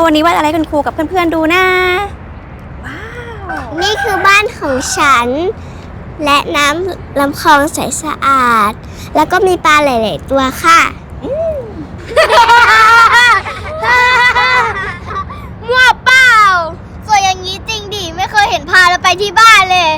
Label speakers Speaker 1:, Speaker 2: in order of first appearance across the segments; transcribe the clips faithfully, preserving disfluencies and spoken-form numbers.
Speaker 1: วันนี้วาดอะไรคุณครูกับเพื่อนๆดูนะว้าว
Speaker 2: นี่คือบ้านของฉันและน้ำลำคลองใสสะอาดแล้วก็มีปลาหลายๆตัวค่ะมั่วเปล่าสวยอย่างนี้จริงดิไม่เคยเห็นพาเราไปที่บ้านเลย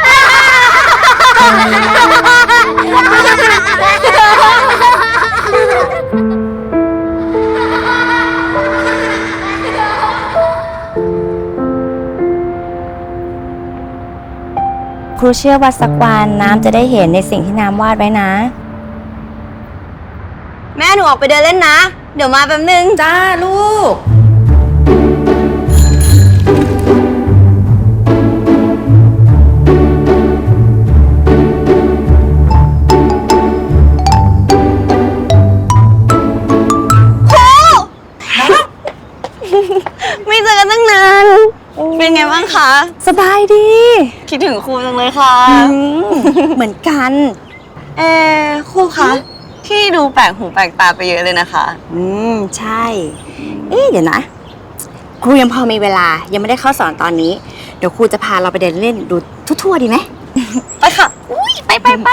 Speaker 1: ครูเชื่อว่าสักวันน้ำจะได้เห็นในสิ่งที่น้ำวาดไว้นะแม่หนูออกไปเดินเล่นนะเดี๋ยวมาแป๊บนึงจ้าลูกไม่เจอกันตั้งนานเป็นไงบ้างคะสบายดีคิดถึงครูจังเลยค่ะเหมือนกันเออครูคะที่ดูแปลกหูแปลกตาไปเยอะเลยนะคะอืมใช่เอ๊ะเดี๋ยวนะครูยังพอมีเวลายังไม่ได้เข้าสอนตอนนี้เดี๋ยวครูจะพาเราไปเดินเล่นดูทั่วๆดีไหมไปค่ะอุ้ยไปไปไป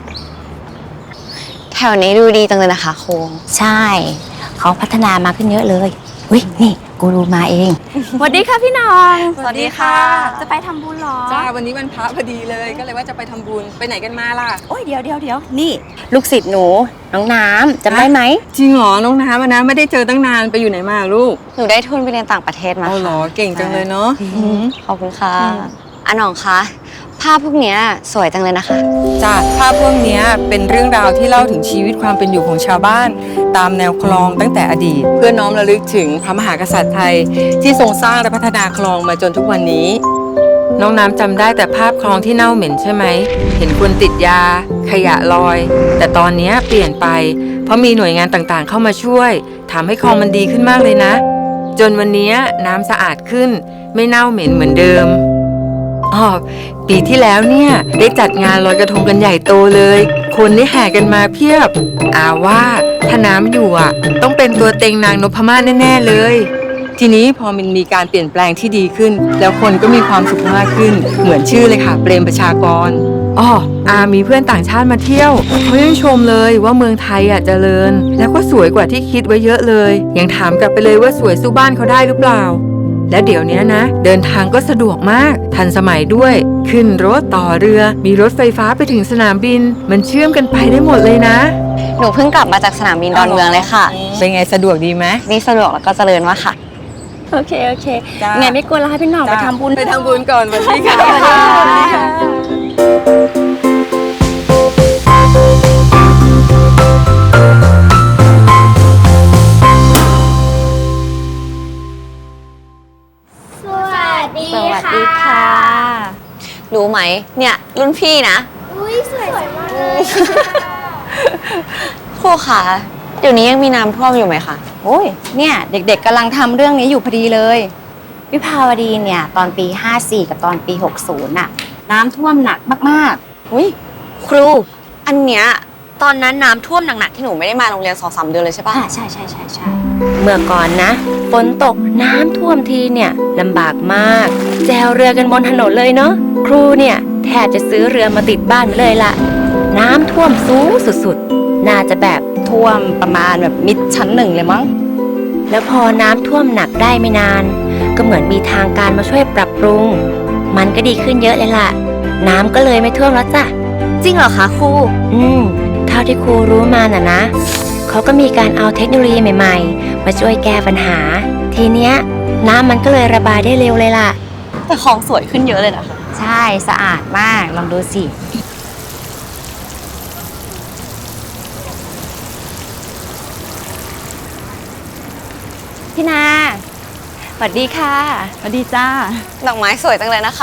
Speaker 1: แถวนี้ดูดีจังเลยนะคะครูใช่เขาพัฒนามาขึ้นเยอะเลยอุ้ยนี่กูรูมาเองสวัสดีค่ะพี่น้อง
Speaker 3: สวัสดีค่ะ
Speaker 1: จะไปทำบุญหรอ
Speaker 3: จ้าวันนี้วันพระพอดีเลยก็เลยว่าจะไปทำบุญไปไหนกันมาล่ะ
Speaker 1: โอ้ยเดี๋ยวเดี๋ยวเดี๋ยวนี่ลูกศิษย์หนูน้องน้ำจำได้ไหม
Speaker 3: จริงเหรอน้องน้ำนะไม่ได้เจอตั้งนานไปอยู่ไหนมาลูก
Speaker 1: หนูได้ทุนไปเรียนต่างประเทศมา
Speaker 3: อ๋อเหรอเก่งจังเลยเนาะ
Speaker 1: ขอบคุณค่ะอ่ะน้องคะภาพพวกนี้สวยจังเลยนะคะ
Speaker 3: จ้าภาพพวกนี้เป็นเรื่องราวที่เล่าถึงชีวิตความเป็นอยู่ของชาวบ้านตามแนวคลองตั้งแต่อดีตเพื่อน้อมระลึกถึงพระมหากษัตริย์ไทยที่ทรงสร้างและพัฒนาคลองมาจนทุกวันนี้น้องน้ำจำได้แต่ภาพคลองที่เน่าเหม็นใช่ไหมเห็นคนติดยาขยะลอยแต่ตอนนี้เปลี่ยนไปเพราะมีหน่วยงานต่างๆเข้ามาช่วยทำให้คลองมันดีขึ้นมากเลยนะจนวันนี้น้ำสะอาดขึ้นไม่เน่าเหม็นเหมือนเดิมอ๋อปีที่แล้วเนี่ยได้จัดงานลอยกระทงกันใหญ่โตเลยคนได้แห่กันมาเพียบอาว่าถ้าน้ำอยู่อ่ะต้องเป็นตัวเต็งนางนพมาศแน่ๆเลยทีนี้พอมันมีการเปลี่ยนแปลงที่ดีขึ้นแล้วคนก็มีความสุขมากขึ้นเหมือนชื่อเลยค่ะเปรมประชากรอ๋ออามีเพื่อนต่างชาติมาเที่ยวเขายังชมเลยว่าเมืองไทยอ่ะเจริญแล้วก็สวยกว่าที่คิดไว้เยอะเลยยังถามกลับไปเลยว่าสวยสู้บ้านเขาได้หรือเปล่าและเดี๋ยวนี้นะเดินทางก็สะดวกมากทันสมัยด้วยขึ้นรถต่อเรือมีรถไฟฟ้าไปถึงสนามบินมันเชื่อมกันไปได้หมดเลยนะ
Speaker 1: หนูเพิ่งกลับมาจากสนามบินดอนเมืองเลยค่ะ
Speaker 3: เป็นไงสะดวกดีไหม
Speaker 1: นี่สะดวกแล้วก็เจริญมากค่ะโอเคโอเคไงไม่กลัวแล้วให้พี่น้องไปทำบุญ
Speaker 3: ไปทำบุญก่อนวันนี้ค่ะ
Speaker 1: สวัสดีค่ะรู้ไหมเนี่ยรุ่นพี่นะ
Speaker 2: อุ้ยสวยมาก
Speaker 1: ครูคะเดี๋ยวนี้ยังมีน้ำท่วมอยู่ไหมคะโอ้ยเนี่ยเด็กๆกำลังทำเรื่องนี้อยู่พอดีเลยวิภาวดีเนี่ยตอนปีห้าสี่กับตอนปีหกสิบน่ะน้ำท่วมหนักมากๆอุ้ยครูอันเนี้ยตอนนั้นน้ำท่วมหนักๆที่หนูไม่ได้มาโรงเรียนสองสามเดือนเลยใช่ปะใช่ใช่ใช่ใช่เมื่อก่อนนะฝนตกน้ำท่วมทีเนี่ยลำบากมากแจวเรือกันบนถนนเลยเนาะครูเนี่ยแทบจะซื้อเรือมาติดบ้านเลยล่ะน้ำท่วมสูงสุดๆน่าจะแบบท่วมประมาณแบบมิดชั้นหนึ่งเลยมั้งแล้วพอน้ำท่วมหนักได้ไม่นานก็เหมือนมีทางการมาช่วยปรับปรุงมันก็ดีขึ้นเยอะเลยล่ะน้ำก็เลยไม่ท่วมแล้วจ้ะจริงเหรอคะครูอืมเท่าที่ครูรู้มาน่ะนะเขาก็มีการเอาเทคโนโลยีใหม่ๆมาช่วยแก้ปัญหาทีเนี้ยน้ำมันก็เลยระบายได้เร็วเลยล่ะแต่คลองสวยขึ้นเยอะเลยนะคะใช่สะอาดมากลองดูสิพี่นาสวัสดีค่ะ
Speaker 4: สวัสดีจ้า
Speaker 1: ดอกไม้สวยจังเลยนะคะ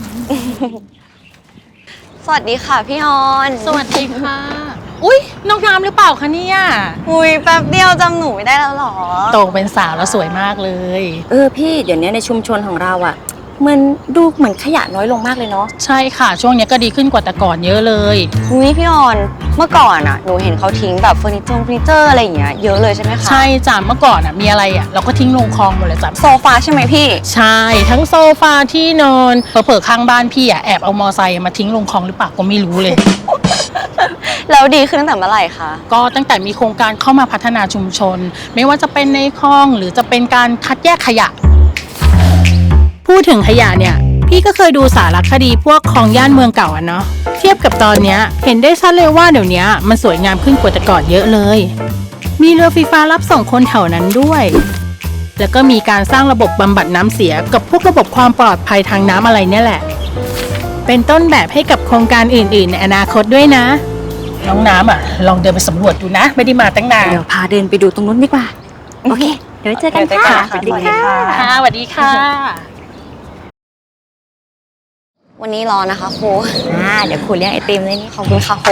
Speaker 1: สวัสดีค่ะพี่ออน
Speaker 4: สวัสดีค่ะอุ้ยน้องน้ำหรือเปล่าคะเนี่ย
Speaker 1: อุ้ยแป๊บเดียวจำหนูไม่ได้แล้วหรอ
Speaker 4: โตเป็นสาวแล้วสวยมากเลย
Speaker 1: เออพี่เดี๋ยวนี้ในชุมชนของเราอ่ะมันดูเหมือนขยะน้อยลงมากเลยเนาะ
Speaker 4: ใช่ค่ะ ช่วงนี้ก็ดีขึ้นกว่าแต่ก่อนเยอะเลย
Speaker 1: อุ้ยพี่ออนเมื่อก่อนอ่ะหนูเห็นเขาทิ้งแบบเฟอร์นิเจอร์เฟอร์นิเจอร์อะไรอย่างเงี้ยเยอะเลยใช่ไหมคะ
Speaker 4: ใช่จ้ะเมื่อก่อนอ่ะมีอะไรอ่ะเราก็ทิ้งลงคลองหมดเลยจ้ะ
Speaker 1: โซฟาใช่ไหมพี่
Speaker 4: ใช่ ทั้งโซฟาที่นอนเผลอๆข้างบ้านพี่อ่ะแอบเอามอไซค์มาทิ้งลงคลองหรือเปล่าก็ไม่รู้เลย
Speaker 1: แล้วดีขึ้นตั้งแต่เมื่อไหร่คะ
Speaker 4: ก็ตั้งแต่มีโครงการเข้ามาพัฒนาชุมชน ไม่ว่าจะเป็นในคลองหรือจะเป็นการคัดแยกขยะ พูดถึงขยะเนี่ย พี่ก็เคยดูสารคดีพวกคลองย่านเมืองเก่าอะเนาะเทียบกับตอนเนี้ยเห็นได้ชัดเลยว่าเดี๋ยวนี้มันสวยงามขึ้นกว่าแต่ก่อนเยอะเลย มีเรือไฟฟ้ารับส่งคนแถวนั้นด้วย แล้วก็มีการสร้างระบบบำบัดน้ำเสียกับพวกระบบความปลอดภัยทางน้ำอะไรเนี่ยแหละ เป็นต้นแบบให้กับโครงการอื่นๆในอนาคตด้วยนะ น้องน้ำอ่ะลองเดินไปสำรวจดูนะ ไม่ได้มาตั้งนาน
Speaker 1: เดี๋ยวพาเดินไปดูตรงนู้นดีกว่า โอเค เดี๋ยวไว้เจอกันค่ะ
Speaker 4: สวัสดีค่ะค่ะสวัสดีค่ะ
Speaker 1: วันนี้รอนะคะครูอ่าเดี๋ยวครูเลี้ยงไอติมเลยนี่ขอบคุณค่ะครู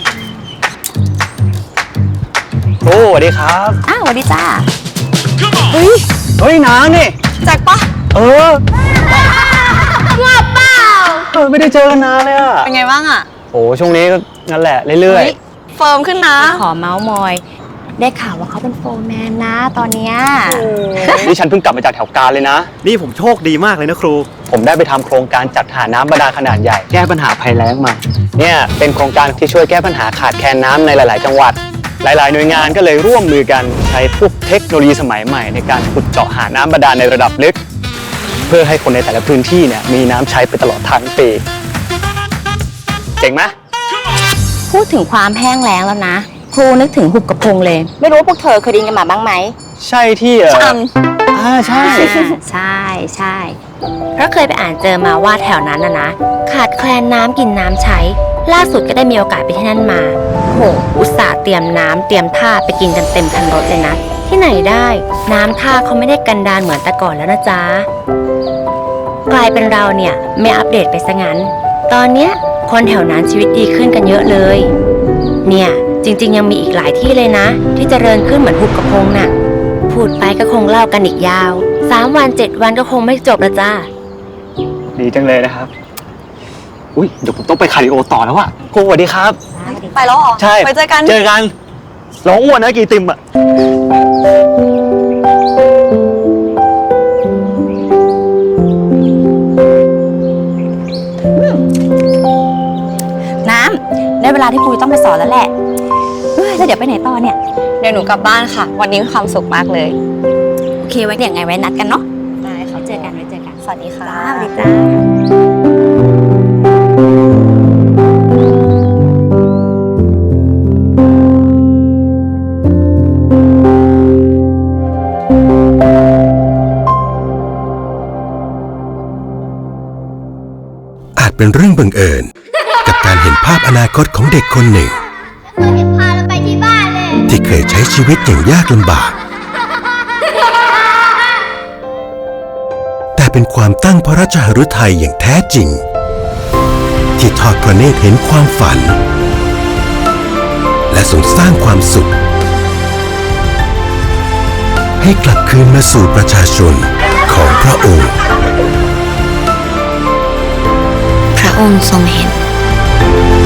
Speaker 5: ครูสวัสดีครับ
Speaker 1: อ้าวสวัสดีจ้า
Speaker 5: เฮ้ยน้านี่
Speaker 1: แจ็คปะ
Speaker 5: เออว่าเปล่าเออไม่ได้เจอกันนานเลยอะ
Speaker 1: เป็นไงบ้างอ่ะ
Speaker 5: โอ้ช่วงนี้ก็นั่นแหละเรื่อย
Speaker 1: ฮ้เฟิร์มขึ้นนะ ขอเมาส์มอย ได้ข่าวว่าเขาเป็นโฟร์แมนนะตอนเนี้ย
Speaker 5: ๆ นี่ฉันเพิ่งกลับมาจากแถวกาญเลยนะ
Speaker 6: นี่ผมโชคดีมากเลยนะครู
Speaker 5: ผมได้ไปทำโครงการจัดหาน้ำบาดาลขนาดใหญ่แก้ปัญหาภัยแล้งมา เนี่ยเป็นโครงการที่ช่วยแก้ปัญหาขาดแคลนน้ำในหลาย ๆ จังหวัด หลาย ๆ หน่วยงานก็เลยร่วมมือกันใช้พวกเทคโนโลยีสมัยใหม่ในการขุดเจาะหาน้ำบาดาลในระดับลึก เพื่อให้คนในแต่ละพื้นที่เนี่ยมีน้ำใช้ไปตลอดทั้งปีเจ๋งไหม
Speaker 1: พูดถึงความแห้งแล้งแล้วนะ ครูนึกถึงหุบกระพงเลย ไม่รู้ว่าพวกเธอเคยได้ยินกันมาบ้างไหม
Speaker 5: ใช่ที่เออ
Speaker 1: จ
Speaker 5: อ่าใช่
Speaker 1: ใช่ใช่เพราะเคยไปอ่านเจอมาว่าแถวนั้นนะนะขาดแคลนน้ำกินน้ำใช้ ล่าสุดก็ได้มีโอกาสไปที่นั่นมาโหอุตส่าห์เตรียมน้ำเตรียมท่าไปกินกันเต็มคันรถเลยนะ ที่ไหนได้น้ำท่าเขาไม่ได้กันดารเหมือนแต่ก่อนแล้วนะจ๊ะกลายเป็นเราเนี่ยไม่อัปเดตไปซะงั้น ตอนเนี้ยคนแถวนั้นชีวิตดีขึ้นกันเยอะเลย เนี่ยจริงๆยังมีอีกหลายที่เลยนะ ที่เจริญขึ้นเหมือนหุบกระพงน่ะพูดไปก็คงเล่ากันอีกยาวสามวันเจ็ดวันก็คงไม่จบละจ้า
Speaker 5: ดีจังเลยนะครับ อุ้ยเดี๋ยวผมต้องไปคาร์ดิโอต่อแล้วอะครูสวัสดีครับ
Speaker 1: ไปแล้วเหรอ
Speaker 5: ใช่
Speaker 1: ไปเจอกัน
Speaker 5: เจอกันร้องอ้วนนะกี่ติมอะ
Speaker 1: น้ำได้เวลาที่ครูต้องไปสอนแล้วแหละเฮ้ยแล้วเดี๋ยวไปไหนต่อเนี่ย เดี๋ยวหนูกลับบ้านค่ะ วันนี้มีความสุขมากเลย โอเคไว้เดี๋ยวไงไว้นัดกันเนาะได้ค่ะเจอกันไว้เจอกัน สวัสดีค่ะสวัสดีจ้า
Speaker 7: อาจเป็นเรื่องบังเอิญ กับการเห็นภาพอนาคตของเด็กคนหนึ่ง
Speaker 2: เราจะพาเราไปที่บ้านเลย
Speaker 7: ที่เคยใช้ชีวิตอย่างยากลำบาก แต่เป็นความตั้งพระราชหฤทัยอย่างแท้จริง ที่ทอดพระเนตรเห็นความฝัน และทรงสร้างความสุข ให้กลับคืนมาสู่ประชาชนของพระองค์
Speaker 1: พระองค์ทรงเห็น